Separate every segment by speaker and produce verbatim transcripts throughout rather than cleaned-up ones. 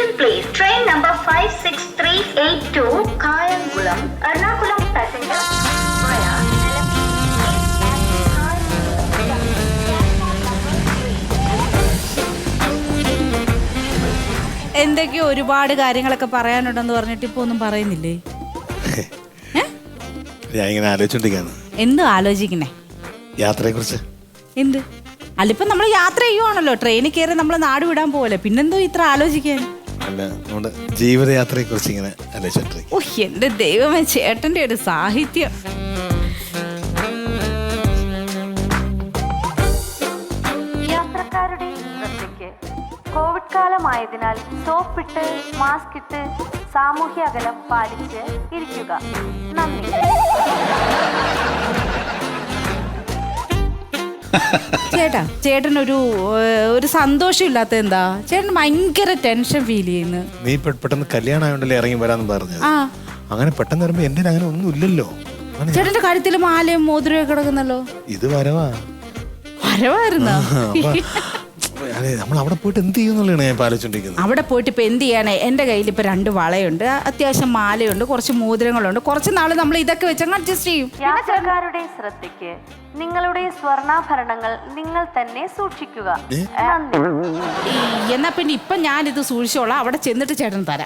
Speaker 1: Attention please. Train number five six three eight two Kayangulam, Ernakulam passenger via
Speaker 2: എന്തൊക്കെയോ ഒരുപാട് കാര്യങ്ങളൊക്കെ പറയാനുണ്ടെന്ന് പറഞ്ഞിട്ട് ഇപ്പൊ ഒന്നും പറയുന്നില്ലേ?
Speaker 3: ഞാൻ ഇങ്ങനെ ആലോചിച്ചോണ്ടിരിക്കാണ്.
Speaker 2: എന്ത് ആലോചിക്കണേ?
Speaker 3: യാത്രയെ കുറിച്ച്.
Speaker 2: എന്ത്? അല്ലിപ്പം നമ്മൾ യാത്ര ചെയ്യുവാണല്ലോ, ട്രെയിനിൽ കയറി നമ്മൾ നാട് വിടാൻ പോലെ, പിന്നെന്തോ ഇത്ര ആലോചിക്കാൻ?
Speaker 3: അല്ല, നമ്മുടെ ജീവിതയാത്രയെ കുറിച്ച് ഇങ്ങനെ ആലോചിച്ചോണ്ടിരിക്കും.
Speaker 2: ഓ എന്റെ ദൈവമേ, ചേട്ടന്റെ ഒരു സാഹിത്യം.
Speaker 1: യാത്രക്കാരുടെ ശ്രദ്ധയ്ക്ക് കോവിഡ് കാലമായതിനാൽ സോപ്പിട്ട് മാസ്ക് ഇട്ട് സാമൂഹ്യ അകലം പാലിച്ച് ഇരിക്കുക. നന്ദി.
Speaker 2: ചേട്ടാ, ചേട്ടനൊരു ഒരു സന്തോഷം ഇല്ലാത്ത എന്താ? ചേട്ടൻ ഭയങ്കര ടെൻഷൻ ഫീൽ ചെയ്യുന്നു.
Speaker 3: നീ പെട്ടെന്ന് കല്യാണം ആയോണ്ടല്ലേ ഇറങ്ങി വരാന്ന് പറഞ്ഞത്.
Speaker 2: ആ
Speaker 3: അങ്ങനെ പെട്ടെന്ന് വരുമ്പോ എന്റെ അങ്ങനെ ഒന്നും ഇല്ലല്ലോ.
Speaker 2: ചേട്ടന്റെ കാര്യത്തിൽ മാലയും മോതിരവും കിടക്കുന്നല്ലോ.
Speaker 3: ഇത് വരവാ
Speaker 2: വരവായിരുന്നോ?
Speaker 3: നമ്മൾ അവിടെ പോയിട്ട് എന്ത് ചെയ്യുന്നുള്ളതാണ് ഞാൻ ആലോചിച്ചോണ്ടിരിക്കുന്നത്.
Speaker 2: അവിടെ പോയിട്ട് ഇപ്പൊ എന്ത് ചെയ്യാനേ? എന്റെ കയ്യിൽ ഇപ്പൊ രണ്ട് വളയുണ്ട്, അത്യാവശ്യം മാലയുണ്ട്, കുറച്ച് മോതിരങ്ങളുണ്ട്. കുറച്ച് നാള് നമ്മൾ ഇതൊക്കെ വെച്ചങ്ങ് അഡ്ജസ്റ്റ് ചെയ്യും.
Speaker 1: യാത്രക്കാരുടെ ശ്രദ്ധയ്ക്ക് നിങ്ങളുടെ സ്വർണ്ണാഭരണങ്ങൾ നിങ്ങൾ തന്നെ സൂക്ഷിക്കുക. നന്ദി.
Speaker 2: എന്നാ പിന്നെ ഇപ്പൊ ഞാനിത് സൂക്ഷിച്ചോളാം, അവിടെ ചെന്നിട്ട് ചേട്ടൻ തരാം.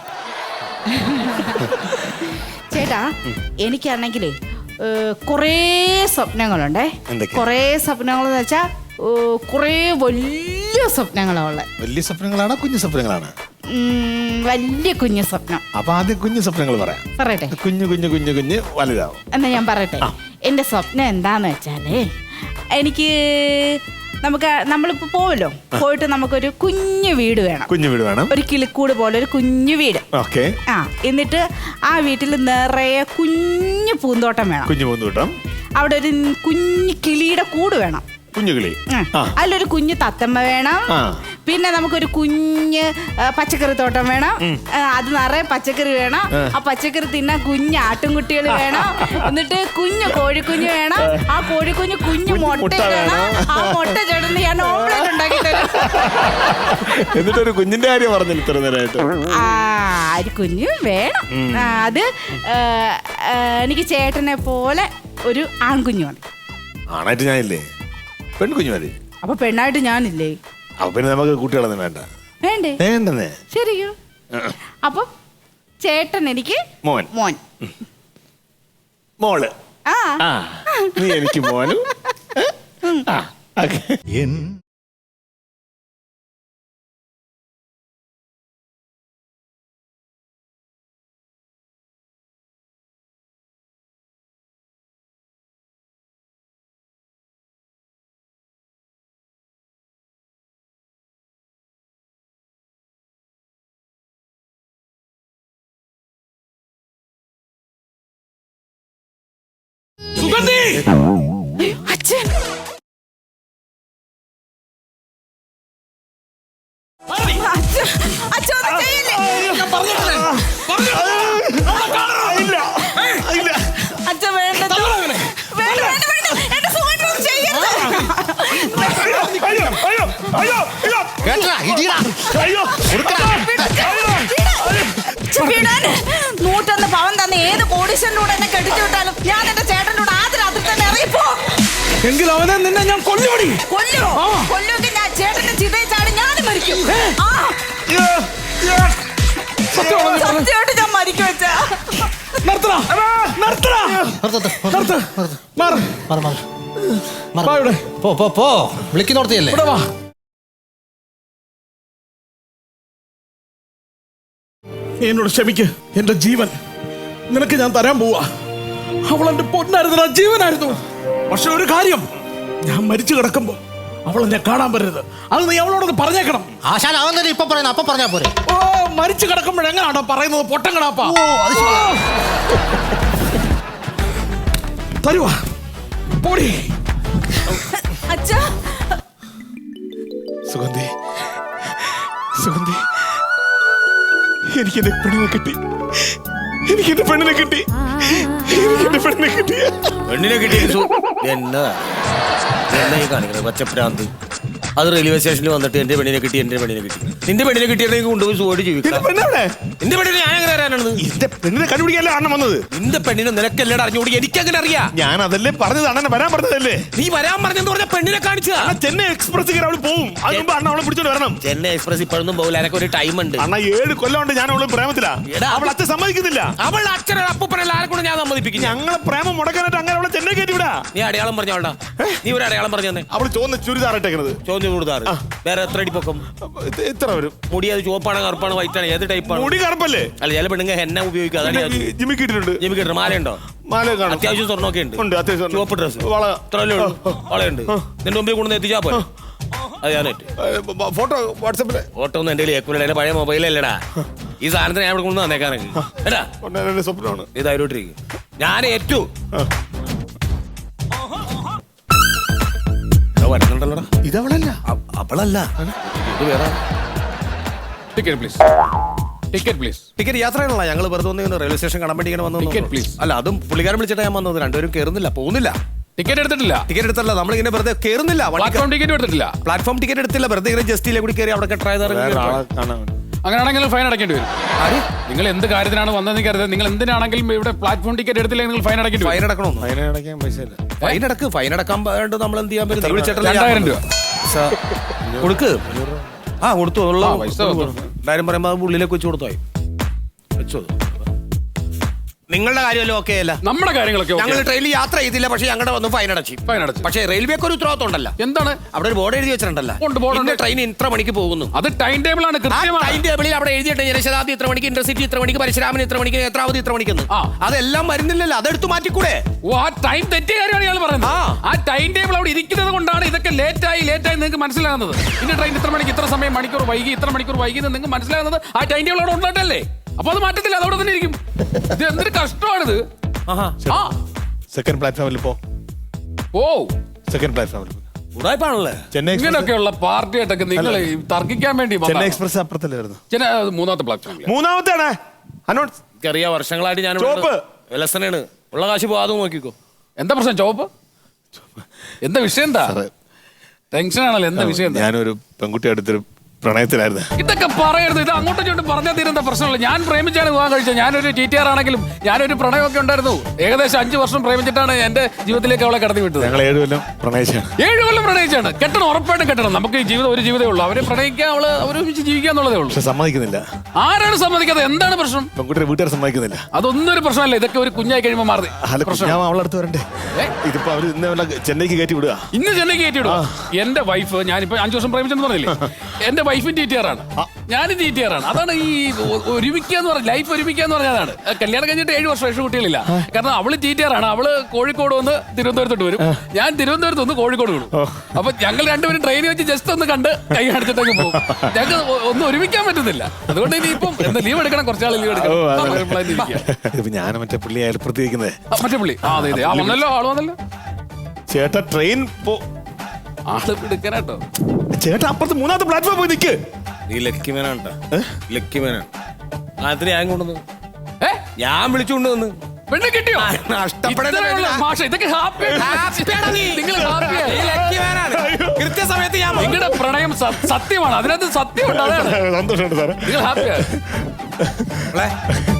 Speaker 2: ചേട്ടാ, എനിക്കാണെങ്കിലേ കുറേ സ്വപ്നങ്ങളുണ്ടേ. കുറേ സ്വപ്നങ്ങൾ എന്ന് വെച്ചാ കുറേ വലിയ സ്വപ്നങ്ങളാണ്.
Speaker 3: വലിയ സ്വപ്നങ്ങളാണോ കുഞ്ഞു സ്വപ്നങ്ങളാണ്?
Speaker 2: വലിയ കുഞ്ഞു സ്വപ്നം.
Speaker 3: അപ്പൊ ആദ്യം കുഞ്ഞു സ്വപ്നങ്ങൾ പറയാം.
Speaker 2: പറയട്ടെ.
Speaker 3: കുഞ്ഞു കുഞ്ഞു കുഞ്ഞു കുഞ്ഞ് വലുതാവും.
Speaker 2: എന്നാ ഞാൻ പറയട്ടെ. എന്റെ സ്വപ്നം എന്താന്ന് വെച്ചാലേ, എനിക്ക് നമുക്ക് നമ്മളിപ്പോ പോവല്ലോ, പോയിട്ട് നമുക്കൊരു കുഞ്ഞു വീട് വേണം.
Speaker 3: കുഞ്ഞു വീട് വേണം. ഒരു
Speaker 2: കിളിക്കൂട് പോലെ ഒരു കുഞ്ഞു വീട്.
Speaker 3: ഓക്കെ.
Speaker 2: ആ എന്നിട്ട് ആ വീട്ടിൽ നിറയെ കുഞ്ഞു പൂന്തോട്ടം വേണം.
Speaker 3: കുഞ്ഞു പൂന്തോട്ടം.
Speaker 2: അവിടെ ഒരു കുഞ്ഞു കിളിയുടെ കൂട് വേണം.
Speaker 3: കുഞ്ഞുകിളി.
Speaker 2: അതിലൊരു കുഞ്ഞു തത്തമ്മ വേണം. പിന്നെ നമുക്കൊരു കുഞ്ഞ് പച്ചക്കറി തോട്ടം വേണം. അത് നിറയെ പച്ചക്കറി വേണം. ആ പച്ചക്കറി തിന്നാൻ കുഞ്ഞ് ആട്ടുംകുട്ടികൾ വേണം. എന്നിട്ട് കുഞ്ഞു കോഴിക്കുഞ്ഞ് വേണം. ആ കോഴിക്കുഞ്ഞ് കുഞ്ഞു മുട്ട വേണം. ആ മുട്ട ചേട്ടന് ഞാൻ ഓംലെറ്റ് ഉണ്ടാക്കി തരും.
Speaker 3: എന്നിട്ടൊരു കുഞ്ഞിന്റെ കാര്യം പറഞ്ഞില്ല ഇത്ര നേരമായിട്ട്.
Speaker 2: ആ ഒരു കുഞ്ഞ് വേണം. അത് എനിക്ക് ചേട്ടനെ പോലെ ഒരു ആൺകുഞ്ഞു മതി.
Speaker 3: ആണായിട്ട് ഞാനില്ലേ, പെൺകുഞ്ഞു മതി.
Speaker 2: അപ്പൊ പെണ്ണായിട്ട് ഞാനില്ലേ?
Speaker 3: അപ്പൊ പിന്നെ നമുക്ക് കുട്ടികളൊന്നും വേണ്ട.
Speaker 2: വേണ്ടേ?
Speaker 3: വേണ്ടെന്നേ.
Speaker 2: ശരിയോ? അപ്പൊ ചേട്ടൻ എനിക്ക്
Speaker 3: മോൻ.
Speaker 2: മോൻ.
Speaker 3: മോള്.
Speaker 2: ആ
Speaker 3: നീ എനിക്ക് മോനും.
Speaker 4: സുഗന്ധി!
Speaker 2: അച്ഛൻ! അച്ഛൻ വേണ്ട, നൂറ്റൊന്ന് പവൻ തന്നെ ഏത് കോടീശ്വരൻ്റെ കൂടെ എന്നെ കെട്ടിച്ചു വിട്ടാലും ഞാൻ എന്റെ ചേട്ടൻ്റെ കൂടെ ആദ്യ രാത്രി തന്നെ ഇറങ്ങിപ്പോ.
Speaker 4: എങ്കിൽ അവനെ നിന്നെ ഞാൻ കൊല്ലുപടി.
Speaker 2: കൊല്ലോ? കൊല്ലുമെങ്കിൽ ഞാൻ ചേട്ടന്റെ ചിതയിൽ ചാടി ഞാനും മരിക്കും. സത്യമായിട്ട് ഞാൻ മരിക്കും വെച്ചാ.
Speaker 4: വിളിക്കുന്നോർത്തിയല്ലേ? എന്നോട് ക്ഷമിക്ക്. എന്റെ ജീവൻ നിനക്ക് ഞാൻ തരാൻ പോവാ. അവൾ എന്റെ പൊന്നായിരുന്നു, ജീവനായിരുന്നു. പക്ഷെ ഒരു കാര്യം, ഞാൻ മരിച്ചു കിടക്കുമ്പോ അവൾ എന്നെ കാണാൻ പറ്റരുത്. അത് നീ അവളോടൊന്ന് പറഞ്ഞേക്കണം.
Speaker 5: ആശാൻ അവൻ ഇപ്പൊ പറയുന്ന അപ്പൊ പറഞ്ഞാ പോരെ.
Speaker 4: ഓ, മരിച്ചു കിടക്കുമ്പോഴെങ്ങനാണോ പറയുന്നത്? പൊട്ടം കിടാപ്പാ. തരുവാ പോടി.
Speaker 2: അച്ഛാ.
Speaker 3: സുഗന്ധി, സുഗന്ധി, എനിക്ക് എന്റെ പെണ്ണിനെ കിട്ടി. എനിക്ക് എന്റെ പെണ്ണിനെ കിട്ടി. എനിക്ക് എന്റെ പെണ്ണിനെ കിട്ടി.
Speaker 5: പെണ്ണിനെ കിട്ടി. എന്നാ എന്നാ ഈ കാണിക്കുന്നത്? പച്ചപ്രാന്ത്. അത് റെയിൽവേ സ്റ്റേഷനിൽ വന്നിട്ട് എന്റെ പെണ്ണിനെ കിട്ടി, എന്റെ പെണ്ണിനെ കിട്ടി. നിന്റെ പെണ്ണിനെ കിട്ടിയിട്ടുണ്ടെങ്കിൽ കൊണ്ടുപോയി സുഖമായിട്ട്
Speaker 3: എന്റെ
Speaker 5: ജീവിക്കാം.
Speaker 3: പെണ്ണെവിടെ?
Speaker 5: നിന്റെ പെണ്ണിനെ ഞാൻ എങ്ങനെ അറിയാനാണ്?
Speaker 3: എന്റെ പെണ്ണിനെ കണ്ടുപിടിക്കാനല്ലേ അണ്ണൻ വന്നത്?
Speaker 5: നിന്റെ പെണ്ണിനെ നിനക്കെല്ലാം അറിഞ്ഞുകൂടി എനിക്കങ്ങനെ അറിയാം.
Speaker 3: ഞാൻ അതല്ലേ പറഞ്ഞത്, അണ്ണനെ വരാൻ പറഞ്ഞതല്ലേ?
Speaker 5: നീ വരാൻ പറഞ്ഞെന്ന് പറഞ്ഞ പെണ്ണിനെ കാണിച്ചതാ.
Speaker 3: അണ്ണ ചെന്നൈ എക്സ്പ്രസ് കയറി അവള് പോവും. അതിന് മുമ്പ് അണ്ണ അവളെ പിടിച്ചോണ്ട് വരണം.
Speaker 5: ചെന്നൈ എക്സ്പ്രസ് ഇപ്പോഴൊന്നും പോകില്ല, എനക്ക് ഒരു ടൈം ഉണ്ട്.
Speaker 3: അണ്ണ ഏഴ് കൊല്ലം കൊണ്ട് ഞാൻ അവളെ പ്രേമത്തിലാ.
Speaker 5: എടാ.
Speaker 3: അവൾ അച്ഛൻ സമ്മതിക്കുന്നില്ല.
Speaker 5: അവളുടെ അച്ഛനെ അപ്പൂപ്പനല്ല ആരെ കൊണ്ട് ഞാൻ സമ്മതിപ്പിക്കും.
Speaker 3: ഞങ്ങളെ പ്രേമം മുടക്കാനായിട്ട് അങ്ങനെ അവളെ ചെന്നൈ കയറ്റി വിടാ.
Speaker 5: നീ അടയാളം പറഞ്ഞോണ്ടാ, നീ ഒരു അടയാളം പറഞ്ഞു തന്നെ.
Speaker 3: അവള് ചോദിച്ച ചുരിദാർ ഇട്ടേക്കണത്
Speaker 5: ചോദ്യം കൊടുത്താറ്. വേറെ എത്ര അടി പൊക്കം?
Speaker 3: എത്ര വരും?
Speaker 5: മുടി അത് ചുവപ്പാണ് കറുപ്പാണ് വൈറ്റ് ആണ്, ഏത് ടൈപ്പാണ്?
Speaker 3: മുടി കറുപ്പല്ലേ?
Speaker 5: അല്ല ചില പെണ്ണുങ്ങ എന്നെ ഉപയോഗിക്കുക, അതാണ് ഞാൻ
Speaker 3: ജിമ്മി കിട്ടിട്ടുണ്ട്.
Speaker 5: ജിമ്മി കിട്ടും. മാലയുണ്ടോ?
Speaker 3: മാല കാണും.
Speaker 5: അത്യാവശ്യം സ്വർണ്ണമൊക്കെ ഉണ്ട്.
Speaker 3: ഉണ്ട്, അത്യാവശ്യം.
Speaker 5: ചുവപ്പ് ഡ്രസ്,
Speaker 3: വള.
Speaker 5: ഇത്രയല്ലേ ഉള്ളൂ. വളയുണ്ട്. നിന്റെ മുമ്പിൽ കൊണ്ടുവന്ന് എത്തിച്ചാ പോലെ അത് ഞാനേറ്റ്.
Speaker 3: ഫോട്ടോ വാട്സാപ്പില്
Speaker 5: ഫോട്ടോ ഒന്നും എന്റെ ഏക്കൂല, എന്റെ പഴയ മൊബൈലല്ലടാ. ഈ സാധനത്തിന് ഞാൻ ഇവിടെ കൊണ്ടു വന്നേക്കാനൊക്കെ എടാ,
Speaker 3: എന്റെ സ്വപ്നമാണ്.
Speaker 5: ഇതായിട്ടിരിക്കും. ഞാൻ ഏറ്റു വരുന്നുണ്ടല്ലോടാ.
Speaker 3: ഇതവളല്ല.
Speaker 5: അ- അവളല്ല, ഇത് വേറെ.
Speaker 6: Ticket please, ticket please.
Speaker 5: Ticket യാത്രയാണല്ലോ. ഞങ്ങൾ വെറുതെ ഒന്ന് റെയിൽവേ സ്റ്റേഷൻ കാണാൻ വേണ്ടി ഇങ്ങനെ വന്നു.
Speaker 6: Ticket, please.
Speaker 5: അല്ല, അതും പുള്ളിക്കാരൻ വിളിച്ചിട്ടാ ഞാൻ വന്നത്. രണ്ടുപേരും കയറുന്നില്ല, പോകുന്നില്ല.
Speaker 6: ടിക്കറ്റ് എടുത്തിട്ടില്ല.
Speaker 5: ടിക്കറ്റ് എടുത്തല്ല, നമ്മളിങ്ങനെ വെറുതെ കയറുന്നില്ല.
Speaker 6: പ്ലാറ്റ്ഫോം ടിക്കറ്റ് എടുത്തിട്ടില്ല.
Speaker 5: പ്ലാറ്റ്ഫോം ടിക്കറ്റ് എടുത്തില്ല, വെറുതെ ഇങ്ങനെ ജസ്റ്റിലെ കൂടി കയറി അവിടെ ട്രൈ
Speaker 3: വേറെ ആളെ കാണാൻ വേണ്ടി.
Speaker 6: അങ്ങനെയാണെങ്കിൽ ഫൈൻ അടയ്ക്കേണ്ടി വരും. നിങ്ങൾ എന്ത് കാര്യത്തിനാണ് വന്നതെന്ന് കരുതുന്നത്? നിങ്ങൾ എന്തിനാണെങ്കിലും ഇവിടെ പ്ലാറ്റ്ഫോം ടിക്കറ്റ് എടുത്തില്ലെങ്കിൽ നിങ്ങൾ ഫൈൻ അടയ്ക്കേണ്ടി
Speaker 5: ഫൈൻ
Speaker 6: വരും.
Speaker 5: അടക്കണമെന്നോ?
Speaker 3: അതിനെ അടയ്ക്കാൻ പൈസ ഇല്ല.
Speaker 5: ഫൈൻ അടക്ക്. ഫൈൻ അടക്കാൻ വേണ്ടി നമ്മൾ എന്ത് ചെയ്യാൻ പറ്റും?
Speaker 6: രണ്ടായിരം രൂപ.
Speaker 5: കൊടുക്ക്. ആ കൊടുത്തു. ഉള്ള
Speaker 6: ആ, പൈസ കൊടുത്തു.
Speaker 5: എല്ലാരും പറയുമ്പോ അത് ഉള്ളിലേക്ക് വെച്ച് കൊടുത്തായി വെച്ചോ. നിങ്ങളുടെ കാര്യമല്ലോ ഓക്കെ അല്ല.
Speaker 6: നമ്മുടെ കാര്യങ്ങളൊക്കെ okay.
Speaker 5: ഞങ്ങൾ ട്രെയിനിൽ യാത്ര ചെയ്തില്ല, പക്ഷെ ഞങ്ങളുടെ വന്ന് ഫൈൻ അടച്ചു.
Speaker 6: ഫൈൻ അടച്ചു.
Speaker 5: പക്ഷേ റെയിൽവേക്ക് ഒരു ഉത്തരവാദിത്വം ഉണ്ടല്ലോ.
Speaker 6: എന്താണ്?
Speaker 5: അവിടെ ഒരു ബോർഡ് എഴുതി വെച്ചിട്ടുണ്ടല്ലോ.
Speaker 6: ഉണ്ട്, board ഉണ്ട്.
Speaker 5: ട്രെയിൻ ഇത്ര മണിക്ക് പോകുന്നു.
Speaker 6: അത് ടൈം ടേബിൾ ആണ്,
Speaker 5: ആ
Speaker 6: കൃത്യമാണ്.
Speaker 5: ടൈം ടേബിളിൽ അവിടെ എഴുതിയിട്ട് ജനശതാബ്ദി ഇത്ര മണിക്ക്, ഇന്റർസിറ്റി ഇത്ര മണിക്ക്, പരശുരാമൻ ഇത്ര മണിക്ക്, നേത്രാവതി ഇത്ര മണിക്കെന്ന്.
Speaker 6: ആ.
Speaker 5: അതെല്ലാം വരുന്നില്ലല്ലോ, അതെടുത്ത് മാറ്റിക്കൂടെ?
Speaker 6: ഓ, ആ ടൈം തെറ്റിയ കാര്യമാണ് ഇയാൾ പറയുന്നത്.
Speaker 5: ആ.
Speaker 6: ആ ടൈം ടേബിൾ അവിടെ ഇരിക്കുന്നത് കൊണ്ടാണ് ഇതൊക്കെ ലേറ്റ് ആയി ലേറ്റ് ആയി നിങ്ങൾക്ക് മനസ്സിലാകുന്നത്. ഇന്ന ട്രെയിൻ ഇത്ര മണിക്ക് ഇത്ര സമയം മണിക്കൂർ വൈകി, ഇത്ര മണിക്കൂർ വൈകി എന്ന് നിങ്ങൾക്ക് മനസ്സിലാകുന്നത് ആ ടൈം ടേബിൾ അവിടെ ഉണ്ടായിട്ടല്ലേ? അപ്പൊ അത് മാറ്റത്തില്ല, അതവിടെ തന്നെ ഇരിക്കും. ഇത് എന്തൊരു കഷ്ടമാണിത്.
Speaker 5: ആഹാ.
Speaker 6: ആ
Speaker 3: സെക്കൻഡ് പ്ലാറ്റ്ഫോമിൽ പോ.
Speaker 6: ഓ,
Speaker 3: സെക്കൻഡ് പ്ലാറ്റ്ഫോമിൽ പോ.
Speaker 5: ഉടായ്പാണല്ലേ.
Speaker 3: ചെന്നൈ എക്സ്പ്രസ്.
Speaker 6: ഇങ്ങനെയൊക്കെയുള്ള പാർട്ടിയായിട്ടൊക്കെ നിങ്ങൾ തർക്കിക്കാൻ വേണ്ടി
Speaker 3: ചെന്നൈ
Speaker 6: വന്നതാണ്.
Speaker 3: എക്സ്പ്രസ് അപ്പുറത്തല്ലേ വരുന്നത്?
Speaker 6: ചെന്നൈ മൂന്നാമത്തെ പ്ലാറ്റ്ഫോമിൽ.
Speaker 3: മൂന്നാമത്തെ ആണ് അനൗൺസ്.
Speaker 5: എനിക്കറിയാം, വർഷങ്ങളായിട്ട് ഞാൻ
Speaker 3: ചോപ്പ്.
Speaker 5: വിലസനാണ്. ഉള്ള കാശ് പോകാതെ നോക്കിക്കോ.
Speaker 6: എന്താ പ്രശ്നം? ചോപ്പ് എന്താ വിഷയം? എന്താ ടെൻഷൻ ആണല്ലോ? എന്താ വിഷയം? എന്താ
Speaker 3: ഞാനൊരു പെൺകുട്ടി അടുത്തൊരു പ്രണയത്തിലായിരുന്നു.
Speaker 6: ഇതൊക്കെ പറയരുത്. ഇത് അങ്ങോട്ടും ഇങ്ങോട്ടും പറഞ്ഞാൽ തീരുന്ന പ്രശ്നമല്ല. ഞാൻ പ്രേമിച്ചാണ് വിവാഹം കഴിച്ചത്. ഞാനൊരു ടി ടി ആർ ആണെങ്കിലും ഞാനൊരു പ്രണയമൊക്കെ ഉണ്ടായിരുന്നു. ഏകദേശം അഞ്ചു വർഷം പ്രേമിച്ചിട്ടാണ് എന്റെ ജീവിതത്തിലേക്ക് അവളെ കടത്തി വിട്ടത്.
Speaker 3: ഞങ്ങൾ ഏഴ് കൊല്ലം പ്രണയിച്ചാണ്.
Speaker 6: ഏഴു കൊല്ലം പ്രണയിച്ചാണ്. കെട്ടണം, ഉറപ്പായിട്ടും കെട്ടണം. നമുക്ക് ഈ ജീവിതം ഒരു ജീവിതമേ ഉള്ളൂ. അവരെ പ്രണയിക്കാൻ, അവള് അവരൊരുമിച്ച് ജീവിക്കുക എന്നുള്ളതേ ഉള്ളൂ.
Speaker 3: പക്ഷെ സമ്മതിക്കുന്നില്ല.
Speaker 6: ആരാണ് സമ്മതിക്കാതെ? എന്താണ് പ്രശ്നം?
Speaker 3: പെൺകുട്ടിയുടെ വീട്ടുകാർ സമ്മതിക്കുന്നില്ല.
Speaker 6: അതൊന്നും ഒരു പ്രശ്നമല്ല. ഇതൊക്കെ ഒരു കുഞ്ഞായി കഴിയുമ്പോൾ മാറി
Speaker 3: അല്ല,
Speaker 6: പ്രശ്നം.
Speaker 3: ഞാൻ അവളെ അടുത്ത് വരണ്ടേ?
Speaker 6: ഏ?
Speaker 3: ഇതിപ്പോ അവര് ഇന്ന് വല്ല ചെന്നൈക്ക് കയറ്റി വിടുക.
Speaker 6: ഇന്ന് ചെന്നൈക്ക് കയറ്റിവിടും. എന്റെ വൈഫ്, ഞാനിപ്പോ അഞ്ചു വർഷം പ്രേമിച്ചെന്ന് പറഞ്ഞില്ലേ, എന്റെ വൈഫും ടി ടി ആർ ആണ്, ഞാനും ടി ടി ആർ ആണ്. അതാണ് ഈ ഒ- ഒരുമിക്കുക എന്ന് പറഞ്ഞ ലൈഫ് ഒരുമിക്കുക എന്ന് പറഞ്ഞതാണ്. കല്യാണം കഴിഞ്ഞിട്ട് ഏഴ് വർഷം ഏഴ് കുട്ടികളില്ല. കാരണം അവള് ടി ടി ആർ ആണ്. അവള് കോഴിക്കോട് വന്ന് തിരുവനന്തപുരത്തോട്ട് വരും, ഞാൻ തിരുവനന്തപുരത്ത് വന്ന് കോഴിക്കോട് വിടും. അപ്പൊ ഞങ്ങൾ രണ്ടുപേരും ട്രെയിനിൽ വെച്ച് ജസ്റ്റ് ഒന്ന് കണ്ട് കൈ കാണിച്ചിട്ടൊക്കെ പോകും. ഞങ്ങൾക്ക് ഒ- ഒന്നും ഒരുമിക്കാൻ പറ്റുന്നില്ല. അതുകൊണ്ട് ഇനി ഇപ്പം എന്താ ലീവ് എടുക്കണം, കുറച്ചാൾ ലീവ് എടുക്കണം.
Speaker 3: ഓ,
Speaker 6: ആ,
Speaker 3: അതെ.
Speaker 6: നമ്മൾ അതിന് ഇരിക്കുക.
Speaker 3: ഇതിപ്പോ ഞാൻ മറ്റേ പുള്ളി അയൽപ്പുറത്തിരിക്കുന്നത്.
Speaker 6: ആ, മറ്റേ പുള്ളി. ആ, അതെ അതെ. ആ, വന്നല്ലോ, ആള് വന്നല്ലോ.
Speaker 3: ചേട്ടാ ട്രെയിൻ പോ.
Speaker 6: ആള് എടുക്കാനാട്ടോ.
Speaker 3: ചേട്ടാ അപ്പുറത്ത് മൂന്നാമത്തെ പ്ലാറ്റ്ഫോം പോയി നിൽക്ക്.
Speaker 5: നീ ലക്കി മേനാണ് ട്ടാ. ലക്കി മേനാണ്. അതിന് ഞാൻ കൊണ്ടുവന്നു,
Speaker 6: ഏ,
Speaker 5: ഞാൻ വിളിച്ചുകൊണ്ട് വന്ന്.
Speaker 6: പെണ്ണ് കിട്ടിയോ?
Speaker 5: നഷ്ടപ്പെടേണ്ട
Speaker 6: ഇത്രയുള്ള
Speaker 5: പേരിലാ.
Speaker 6: ഭാഷ ഇതൊക്കെ ഹാപ്പി.
Speaker 5: ഹാപ്പിയാടാ നീ.
Speaker 6: നിങ്ങൾ
Speaker 5: നീ
Speaker 6: ഹാപ്പിയാണ്.
Speaker 5: ലക്കി മേനാണ്. കൃത്യസമയത്ത് ഞാൻ വന്നു.
Speaker 6: നിങ്ങളുടെ പ്രണയം സ- സത്യമാണ്. അതിനകത്ത് സത്യമുണ്ട്. അതാണ്
Speaker 3: സന്തോഷമുണ്ട് സാറേ.
Speaker 6: നിങ്ങൾ ഹാപ്പിയാണ്.
Speaker 5: മോളെ,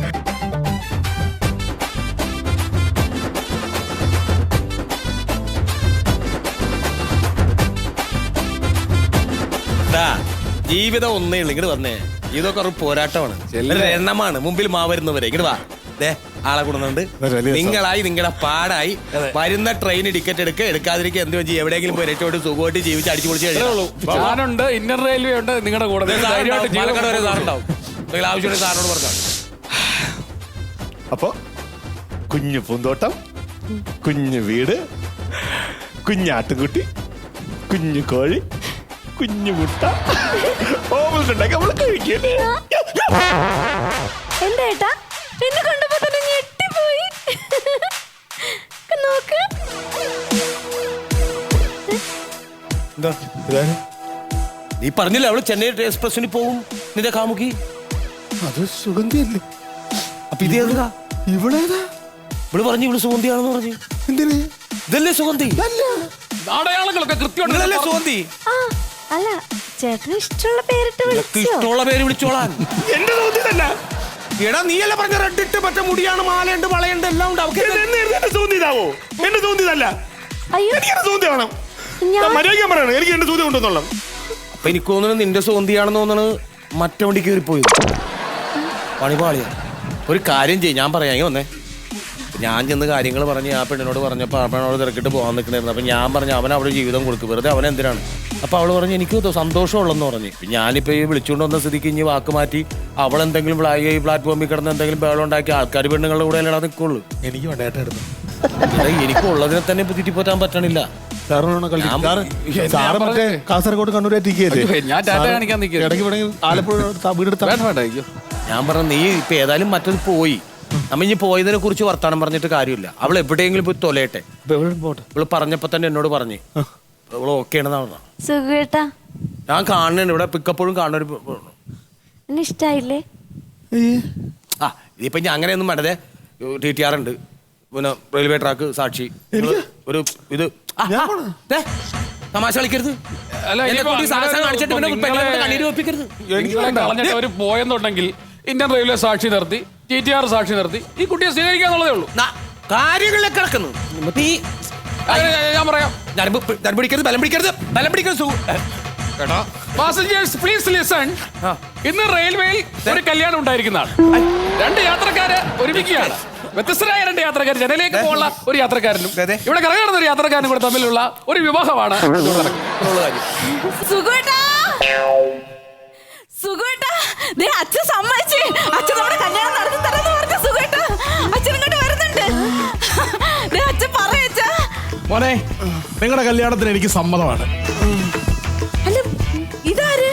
Speaker 5: ദാ, ജീവിതം ഒന്നേ ഉള്ളു. ഇങ്ങോട്ട് വന്നേ. ഇതൊക്കെ ഒരു പോരാട്ടമാണ്,
Speaker 6: ചെല്ല്.
Speaker 5: ഒരു എണ്ണമാണ്. മുമ്പിൽ മാവരുന്നവരെ ഇങ്ങോട്ട് വാ. ദേ, ആളെ കൂടുന്നുണ്ട്.
Speaker 3: വലിയ
Speaker 5: നിങ്ങളായി നിങ്ങളുടെ പാടായി വരുന്ന ട്രെയിൻ ടിക്കറ്റ് എടുക്കുക, എടുക്കാതിരിക്കുക, എന്ത് വെച്ച് എവിടെയെങ്കിലും പോയി രക്ഷോട്ട് സുഖമായിട്ട് ജീവിച്ച് അടിച്ചു പൊളിച്ച് കഴിയുള്ളൂ.
Speaker 6: ഞാനുണ്ട്, ഇന്ത്യൻ റെയിൽവേ ഉണ്ട് നിങ്ങളുടെ കൂടെ. നിങ്ങൾ ധൈര്യമായിട്ട് ജീവിതം
Speaker 5: പാലക്കാട് വരെ സാറുണ്ടാവും. നിങ്ങൾ ആവശ്യമുണ്ടെങ്കിൽ സാറിനോട് പറഞ്ഞാൽ.
Speaker 3: അപ്പൊ കുഞ്ഞു പൂന്തോട്ടം, കുഞ്ഞു വീട്, കുഞ്ഞാട്ടുകുട്ടി, കുഞ്ഞു കോഴി, കുഞ്ഞു മുട്ട, ഓമലുണ്ടാക്കി നമ്മൾ കഴിക്കല്ലേ?
Speaker 7: എന്താ ഏട്ടാ, എന്നെ കണ്ടപ്പോ തന്നെ ഞെട്ടിപ്പോയി. നോക്ക്.
Speaker 5: എന്താ
Speaker 3: ഇതാര്?
Speaker 5: നീ പറഞ്ഞില്ല അവള് ചെന്നൈ എക്സ്പ്രസിന് പോവും നിന്റെ കാമുകി.
Speaker 3: അത് സുഗന്ധിയല്ലേ?
Speaker 5: അപ്പൊ ഇത് ഏതാ?
Speaker 3: ഇവളേതാ?
Speaker 5: ഇവള് പറഞ്ഞു ഇവള് സുഗന്ധിയാണെന്ന് പറഞ്ഞു.
Speaker 3: എന്തിന്?
Speaker 5: ഇതല്ലേ സുഗന്ധി?
Speaker 6: അടയാളങ്ങളൊക്കെ കൃത്യമായിട്ട്
Speaker 5: നിങ്ങളല്ലേ സുഗന്ധി?
Speaker 7: ആ, അല്ല ചേട്ടന് ഇഷ്ടമുള്ള പേരിട്ട്
Speaker 5: നിനക്ക്
Speaker 7: വിളിച്ചോ?
Speaker 5: ഇഷ്ടമുള്ള പേര് വിളിച്ചോളാൻ.
Speaker 3: എന്റെ തോന്നിയതല്ല.
Speaker 5: എടാ നീയല്ല പറഞ്ഞ റെഡ് ഇട്ട് മറ്റേ മുടിയാണ്, മാലയുണ്ട്, വളയുണ്ട്, എല്ലാം ഉണ്ട്. അവൾക്ക്
Speaker 3: എന്നെ- എന്നെ- എന്നെ തോന്നിയതാവോ? എന്റെ തോന്നിയതല്ല.
Speaker 7: അയ്യോ
Speaker 3: എനിക്ക് എന്റെ തോന്നി വേണം.
Speaker 7: ഞാൻ
Speaker 3: മര്യാദ പറയണം. എനിക്ക് എന്റെ തോന്നി ഉണ്ടെന്നുള്ള.
Speaker 5: അപ്പൊ എനിക്ക് തോന്നുന്നു നിന്റെ സോന്തിയാണെന്ന് തോന്നുന്നു മറ്റേ വണ്ടി കയറിപ്പോയി. പണിപാളിയാ. ഒരു കാര്യം ചെയ്യും, ഞാൻ പറയാം വന്നേ. ഞാൻ ചെന്ന് കാര്യങ്ങൾ പറഞ്ഞ് ആ പെണ്ണിനോട് പറഞ്ഞപ്പോൾ ആ പെണ്ണോട് തിരക്കിട്ട് പോകാൻ നിൽക്കണായിരുന്നു. അപ്പം ഞാൻ പറഞ്ഞു അവൻ അവിടെ ജീവിതം കൊടുക്കും, വെറുതെ അവൻ എന്തിനാണ്. അപ്പോൾ അവൾ പറഞ്ഞു എനിക്ക് സന്തോഷമുള്ളെന്ന് പറഞ്ഞു. ഞാനിപ്പോൾ ഈ വിളിച്ചുകൊണ്ട് വന്ന സ്ഥിതിക്ക് ഇനി വാക്ക് മാറ്റി അവൾ എന്തെങ്കിലും ഈ പ്ലാറ്റ്ഫോമിൽ കിടന്ന് എന്തെങ്കിലും ബേളം ഉണ്ടാക്കി ആൾക്കാർ പെണ്ണുങ്ങളുടെ കൂടെ അല്ലാതെ നിൽക്കുള്ളൂ.
Speaker 3: എനിക്ക് വേണ്ടേട്ട എടുത്തു.
Speaker 5: എനിക്ക് ഉള്ളതിനെ തന്നെ ഇപ്പൊ തെറ്റിപ്പോറ്റാൻ പറ്റണില്ല.
Speaker 3: സാറ് മറ്റേ കാസർഗോഡ് കണ്ണൂരേറ്റിക്കല്ലേ?
Speaker 6: അയ്യോ, ഞാൻ ടാറ്റ കാണിക്കാൻ നിൽക്കുന്നു.
Speaker 3: ഇടയ്ക്ക് ഇവിടെ ആലപ്പുഴ വീടെടുത്ത
Speaker 6: വേണ്ട വേണ്ട അയ്യോ.
Speaker 5: ഞാൻ പറഞ്ഞു നീ ഇപ്പൊ ഏതായാലും മറ്റത് പോയി, നമ്മ ഇനി പോയതിനെ കുറിച്ച് വർത്താനം പറഞ്ഞിട്ട് കാര്യമില്ല. അവൾ എവിടെയെങ്കിലും പോയി തൊലയട്ടെ. ഇവള് പറഞ്ഞപ്പോ തന്നെ എന്നോട് പറഞ്ഞു അവള് ഓക്കെ ആണെന്നാ പറഞ്ഞ.
Speaker 7: സുഖേട്ടാ
Speaker 5: ഞാൻ കാണുന്നുണ്ട് ഇവിടെ പിക്കപ്പോഴും കാണുന്ന ഒരു
Speaker 7: എന്നെ ഇഷ്ടായില്ലേ?
Speaker 5: ആ ഇതിപ്പോ ഞാൻ അങ്ങനെയൊന്നും വേണ്ടതേ. ടി ടി ആർ ഉണ്ട്, പിന്നെ റെയിൽവേ ട്രാക്ക് സാക്ഷി, ഒരു ഇത് ആ, ആ, ദേ, തമാശ കളിക്കരുത്.
Speaker 6: അല്ല,
Speaker 5: എന്നെ
Speaker 6: ഇനിയിപ്പോ
Speaker 5: കൊണ്ട് ഈ സാഹസം
Speaker 6: അങ്ങനെ
Speaker 5: കാണിച്ചിട്ട് പിന്നെ
Speaker 6: നിങ്ങളെ-
Speaker 5: പെങ്ങളെ കൊണ്ട് കണ്ണീര് വെപ്പിക്കരുത്.
Speaker 6: നിങ്ങളെ കളഞ്ഞിട്ട് അവര് പോയെന്നുണ്ടെങ്കിൽ ഇന്ത്യൻ റെയിൽവേ സാക്ഷി നിർത്തി, ടി ടി ആർ സാക്ഷി നിർത്തി ഈ കുട്ടിയെ സ്വീകരിക്കാന്നുള്ളതേ ഉള്ളൂ.
Speaker 5: ന- കാര്യങ്ങളിലൊക്കെ കിടക്കുന്നു. ഇപ്പൊ ഈ
Speaker 6: അത് ഞാൻ പറയാം.
Speaker 5: ഞരമ്പ് പി- ഞരമ്പ് പിടിക്കരുത്, ബലം പിടിക്കരുത്, ബലം പിടിക്കരുത്. സു- കേട്ടോ?
Speaker 6: Passengers please listen. ഇന്ന് റെയിൽവേയിൽ ഒരു കല്യാണം ഉണ്ടായിരിക്കുന്നതാണ്. രണ്ട് യാത്രക്കാര് ഒരുമിക്കുകയാണ്. വ്യത്യസ്തരായ രണ്ട് യാത്രക്കാർ, ജനലേക്ക് പോകുന്ന ഒരു യാത്രക്കാരനും
Speaker 5: അതെ.
Speaker 6: ഇവിടെ കറങ്ങുന്ന ഒരു യാത്രക്കാരനും കൂടെ തമ്മിലുള്ള ഒരു വിവാഹമാണ് ഇതുകൊണ്ട് നടക്കുന്നത്.
Speaker 5: ഇത്രയുള്ള കാര്യം.
Speaker 2: സുഖേട്ടാ സുഖേട്ടാ, ദേ അച്ഛൻ സമ്മതിച്ച്. അച്ഛൻ നമ്മുടെ കല്യാണം നടത്തി തരാന്ന് പറഞ്ഞു. സുഖേട്ടാ അച്ഛൻ ഇങ്ങോട്ട് വരുന്നുണ്ട്. ദേ അച്ഛൻ പറയച്ചാ.
Speaker 4: മോനെ, നിങ്ങളുടെ കല്യാണത്തിന് എനിക്ക് സമ്മതമാണ്.
Speaker 2: അല്ല ഇതാര്?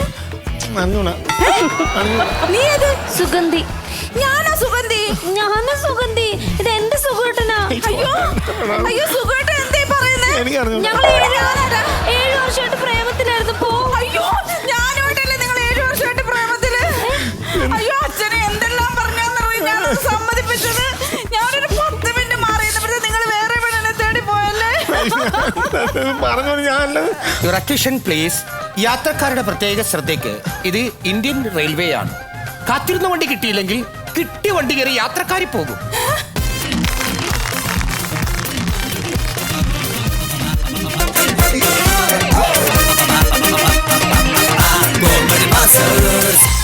Speaker 2: ഏ? നീ ഏത്?
Speaker 7: സുഗന്ധി.
Speaker 2: ഞാനാ സുഗന്ധി.
Speaker 7: ഞാനാ സുഗന്ധി. ഇത് എന്റെ സുഖേട്ടനാ.
Speaker 2: അയ്യോ അയ്യോ സുഖേട്ട എന്തേ പറയുന്നേ?
Speaker 7: ഞങ്ങൾ ഏഴ് വർഷമായിട്ട് പ്രേമത്തിലായിരുന്നു. പോ.
Speaker 2: അയ്യോ ഞാനോട്ടല്ലേ നിങ്ങൾ ഏഴു വർഷമായിട്ട് പ്രേമത്തില്? അയ്യോ അച്ഛനെ എന്തെല്ലാം പറഞ്ഞാന്നറിയും ഞാൻ സമ്മതിപ്പിച്ചത്. ഞാനൊരു പത്ത് മിനിറ്റ് മാറിയപ്പോഴത്തെ നിങ്ങൾ വേറെ പെണ്ണിനെ തേടി പോയല്ലേ?
Speaker 3: പറഞ്ഞു ഞാനല്ല.
Speaker 5: Your attention please. യാത്രക്കാരുടെ പ്രത്യേക ശ്രദ്ധയ്ക്ക് ഇത് ഇന്ത്യൻ റെയിൽവേ ആണ്. കാത്തിരുന്ന വണ്ടി കിട്ടിയില്ലെങ്കിൽ കിട്ടിയ വണ്ടി കയറി യാത്രക്കാരി പോകും.
Speaker 8: Comedy Masters.